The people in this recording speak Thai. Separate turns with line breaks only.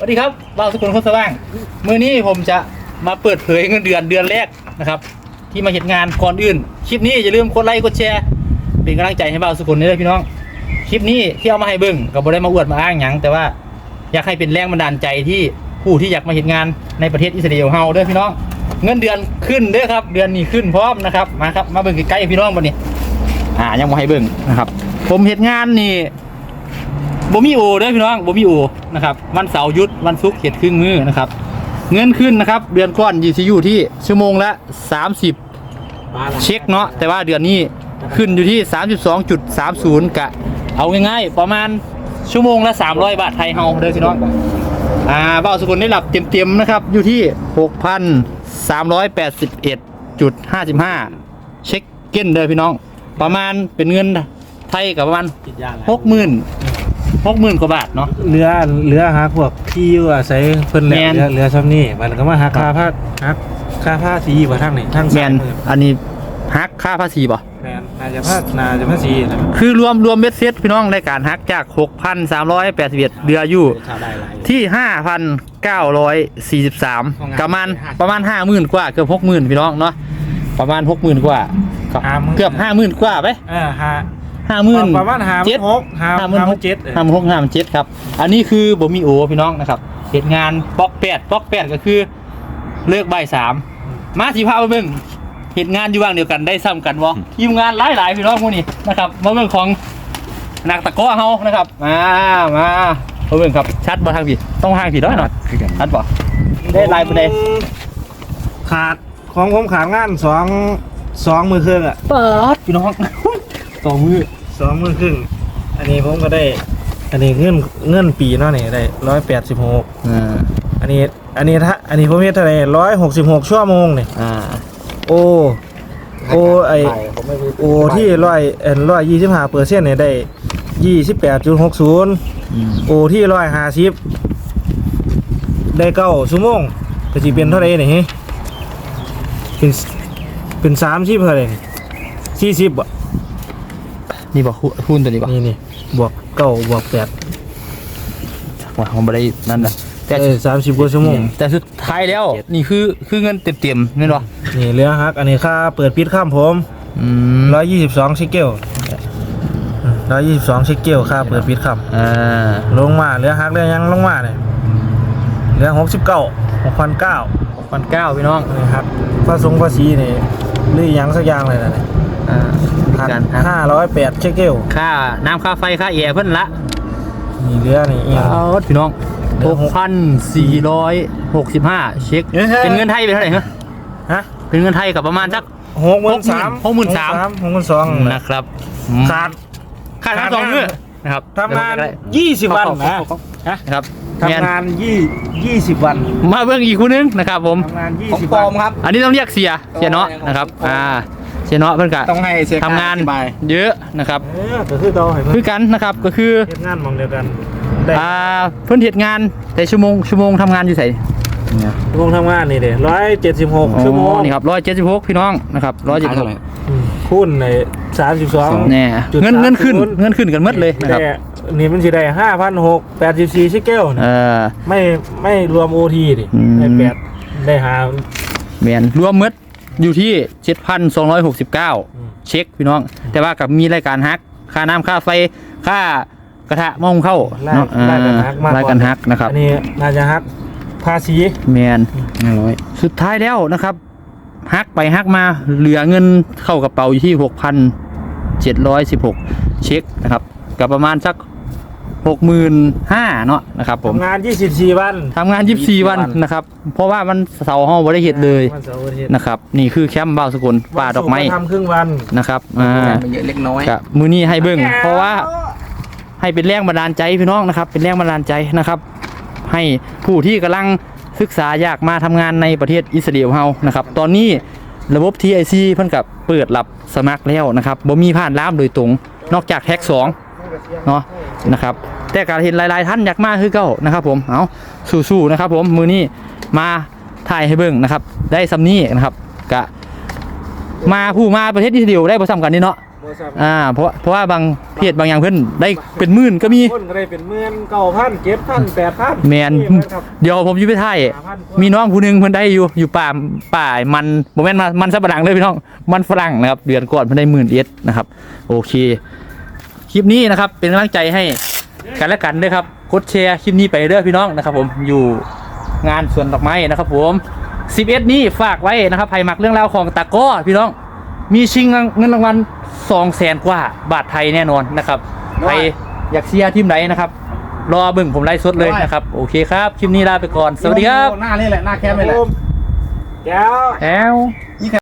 วัสดีครับบ่าวสกุลคนสว่างมื้อนี้ผมจะมาเปิดเผยเงินเดือนแรกนะครับที่มาเห็นงานก่อนอื่นคลิปนี้อย่าลืมกดไลค์กดแชร์เป็นกำลังใจให้บ่าวสกุลนี่เลยพี่น้องคลิปนี้ที่เอามาให้เบิ่งก็บ่ได้มาอวดมาอ้างหยังแต่ว่าอยากให้เป็นแรงบันดาลใจที่ผู้ที่อยากมาเห็นงานในประเทศอิสราเอลเฮาเด้อพี่น้องเงินเดือนขึ้นเด้อครับเดือนนี้ขึ้นพร้อมนะครับมาครับมาเบิ่งใกล้ๆพี่น้องบัดนี้ยังบ่ให้เบิ่งนะครับผมเห็นงานนี่บ่มีโอเด้อพี่น้องบ่มีโอนะครับวันเสาร์หยุดวันศุกร์เฮ็ดครึ่งมื้อนะครับเงินขึ้นนะครับเดือนก่อนอยู่ที่ชั่วโมงละ30เช็คเนาะแต่ว่าเดือนนี้ขึ้นอยู่ที่ 32.30 กะเอาง่ายๆประมาณชั่วโมงละ300 บาทไทยเฮาเด้อพี่น้องบ่าวสกุลได้หลับเต็มๆนะครับอยู่ที่ 6,381.55 เช็คเก้นเด้อพี่น้องประมาณเป็นเงินไทยกับประมาณ60,000กว่าบาทเนาะ
เรือฮักพวกที่อยู่อาศัยเพิ่นแหละเรือซ้ำนี่มันก็มาหักค่าผ้าสีบ่ทั้งนี่ทั้งแมน
อันนี้ฮักค่าภาษีป่ะ
แมนน่าจะภาษีนะ
คือรวมเบ็ดเซ็ตพี่น้องรายการฮักจาก 6,381 เดืออยู่ที่ 5,943 ประมาณ 50,000 กว่าเกือบ 60,000 พี่น้องเนาะประมาณ 60,000 กว่าเกือบ 50,000 กว่าไป50,000
ประมาณ
56,57ครับอันนี้คือบ่มีโอพี่น้องนะครับเหตุงานป๊อก8ก็คือเลิกบ่าย3มาสิพาไปเบิ่งเหตุงานอยู่ว่างเดียวกันได้ซ้ำกันบ่ทีมงานหลายพี่น้องพวกนี้นะครับมาเบิ่งของนักตะก้อเฮานะครับมาเบิ่งครับชัดบ่ทางพี่ต้องทางพี่ด้วยหน่อยชัดบ่ได้ลายบ่ได้
ขาดของผมขาดงาน2มือครึ่งอ่ะ
เปิดพี่น้อง2มือ
ครึ่งอันนี้ผมก็ได้อันนี้เงินปีเนาะนี่ได้186อันนี้ผมเฮ็ดเท่าไหร่166ชั่วโมงนี่โอที่125%เนี่ยได้ 28.60 โอที่150ได้9ชั่วโมงก็สิเป็นเท่าไหร่นี่เป็น30เท่าไหร่40บ่
นี่บ่คูณตัวนี้บ่
นี่บวก9บวก8
ว่าผมบ่ได้นั่นน่ะ
แต่30กว่าชั่วโมง
แต่สุดท้ายแล้วนี่คือเงินเต็มๆแม่นบ่
นี่เรือฮักอันนี้ค่าเปิดปิดข้ามผม122ชิเกล122ชิเกลค่าเปิดปิดข้ามลงมาเรือฮักเรือยังลงมาเนี่ยเรือ6,900
พี่น้อง
นี่ครับภาษีนี่หรือยังสักอย่างเลยนะ508ชิเกล
ค่าน้ำค่าไฟค่าแอร์เพิ่นละ
นี่เรือนี่
พี่น้อง6,465 เช็คเป็นเงินไทยเป็นเท่าไหร่ฮะเป็นเงินไทยกับประมาณสัก63,000 นะครับขาด2 มื้อนะครับ
ทำงาน20 วันนะครับทำงาน20 วัน
มาเบิ่งอีกคู่นึงนะครับผม
ทำงาน20 วัน
ครับอันนี้ต้องเรียกเสียเนาะนะครับเสียเนาะเพิ่นก็
ต้องให้
ทำงานเยอะนะครับ
ก็คือเรา
คือกันนะครับก็คือ
เฮ็ดงานมองเดียวกัน
เพิ่นเฮ็ดงานแต่ชั่วโมงทำงานอยู่ไส
ชั่วโมงทำงานนี่เด้176ชั่วโมง
นี่ครับ176พี่น้องนะครับ176
คูณใน32
แน่เงินขึ้นกันหมดเลยนะครับ
นี่มันสิได้5,684ชิเกลไม่รวม OT ดิได้8ได้
แม่นรวมหมดอยู่ที่ 7,269 เช็คพี่น้องแต่ว่ากับมีรายการฮักค่าน้ำค่าไฟค่ากระทะหม้อหุงข้าวเนาะรายการฮักนะครับ
อันนี้น่าจะฮักภาษี
แมน500สุดท้ายแล้วนะครับฮักไปฮักมาเหลือเงินเข้ากระเป๋าอยู่ที่ 6,716 เช็คนะครับกับประมาณสัก 65,000 เนาะนะครับผม
ทำงาน24 วัน
นะครับเพราะว่ามันเสาร์ห้องบ่ได้เฮ็ดเลยนะครับนี่คือแคมป์บ่าวสกุลป่าดอกไม้
ทำครึ่งวัน
นะครับ
เยอะเล็กน้อย
กับมื้อนี้ให้เบิ่งเพราะว่าให้เป็นแรงบันดาลใจพี่น้องนะครับเป็นแรงบันดาลใจนะครับให้ผู้ที่กำลังศึกษาอยากมาทำงานในประเทศอิสราเอลเฮานะครับตอนนี้ระบบ TIC เพิ่นกับเปิดรับสมัครแล้วนะครับบ่มีผ่านล่ามโดยตรงนอกจากแท็ก2เนาะนะครับแต่การเห็นหลายๆท่านอยากมาคือเก่านะครับผมเอาสู้ๆนะครับผมมื้อนี้มาถ่ายให้เบิ่งนะครับได้ซำนี้นะครับกะมาประเทศอิสราเอลได้บ่ซ้ำกันนี่เนาะ
บ่ซ้ำ
เพราะว่าบางเพจบางอย่างเพิ่นได้เป็นหมื่นก็มี
คนก็ได้เป็น10,000 9,000 7,000 8,000
แมน
ครับ
เดี๋ยวผมอยู่ไปไทยมีน้องผู้หนึงเพิ่นได้อยู่ป่ามันบ่แม่นมันสับปะหลังเลยพี่น้องมันฝรั่งนะครับเดือนก่อนเพิ่นได้10,000 นะครับโอเคคลิปนี้นะครับเป็นกำลังใจให้กันและกันด้วยครับกดแชร์คลิปนี้ไปเด้อพี่น้องนะครับผมอยู่งานสวนดอกไม้นะครับผม11นี้ฝากไว้นะครับใครมักเรื่องราวของตะกร้อพี่น้องมีชิงเงินรางวัล200,000 กว่าบาทไทยแน่นอนนะครับใครอยากเชียร์ทีมไหนนะครับรอเบิ่งผมไลฟ์สดเลยนะครับโอเคครับคลิปนี้ลาไปก่อนสวัสดีครับ
หน้านี่แหละหน้าแคมป์นี่แหละแก้ว
แล้ว